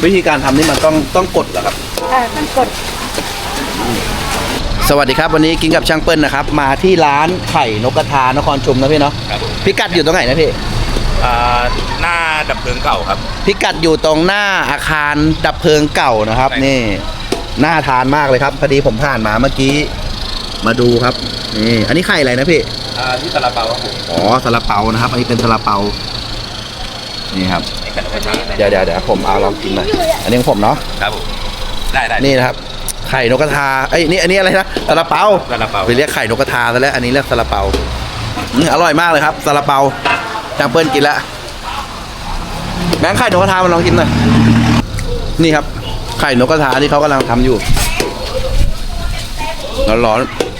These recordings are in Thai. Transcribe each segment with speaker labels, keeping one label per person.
Speaker 1: วิธีการทำนี่มันต้องกดเหรอครับ
Speaker 2: ต้องกด
Speaker 1: สวัสดีครับวันนี้กินกับช่างเปิ้ลนะครับมาที่ร้านไข่นกกระทานครชุมนะพี่เนาะพิกัดอยู่ตรงไหนนะพี่
Speaker 3: หน้าดับเพลิงเก่าครับ
Speaker 1: พิกัดอยู่ตรงหน้าอาคารดับเพลิงเก่านะครับนี่น่าทานมากเลยครับพอดีผมผ่านมาเมื่อกี้มาดูครับนี่อันนี้ไข่อะไรนะพี่
Speaker 3: ที่ซาลาเปาครับผม
Speaker 1: อ๋อซาลาเปานะครับอันนี้เป็นซาลาเปานี่ครับเดี๋ยวผมเอาลองกินหน่อยอันนี้ของผมเนาะ
Speaker 3: ครับผมได้
Speaker 1: นี่นะครับไข่นกกระทาไอ้นี่อันนี้อะไรนะซาลาเปาไปเรียกไข่นกกระทาซะแล้วอันนี้เรียกซาลาเปาอร่อยมากเลยครับซาลาเปาจังเปิ้ลกินแล้วแบงค์ไข่นกกระทามาลองกินหน่อยนี่ครับไข่นกกระทาที่เขากำลังทำอยู่ร้อน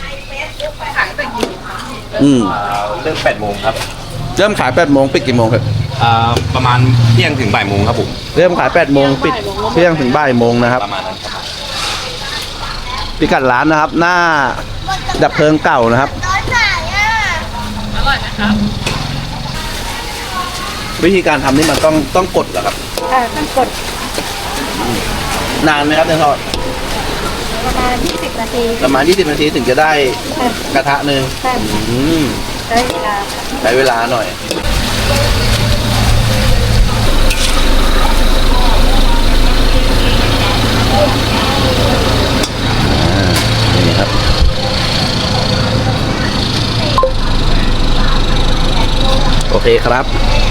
Speaker 3: เริ่ม8 โมงครับ
Speaker 1: เริ่มขาย8 โมงปิดกี่โมงครับ
Speaker 3: ประมาณเที่ยงถึงบ่ายโมงครับผม
Speaker 1: เริ่มขาย8 โมงปิดเที่ยงถึงบ่ายโมงนะครับ
Speaker 3: ประมาณนั้นครับ
Speaker 1: พิกัดร้านนะครับหน้าดับเพลิงเก่านะครับ
Speaker 2: อร่อยนะครับ
Speaker 1: วิธีการทำนี่มันต้องกดเหรอครับ
Speaker 2: ต้องกด
Speaker 1: นานไหมครับเนี่ยทอด
Speaker 2: ประมาณ20 นาที
Speaker 1: ประมาณ20 นาทีถึงจะได้กระทะหนึ่งใช้เวลาหน่อยนี่ครับโอเคครับ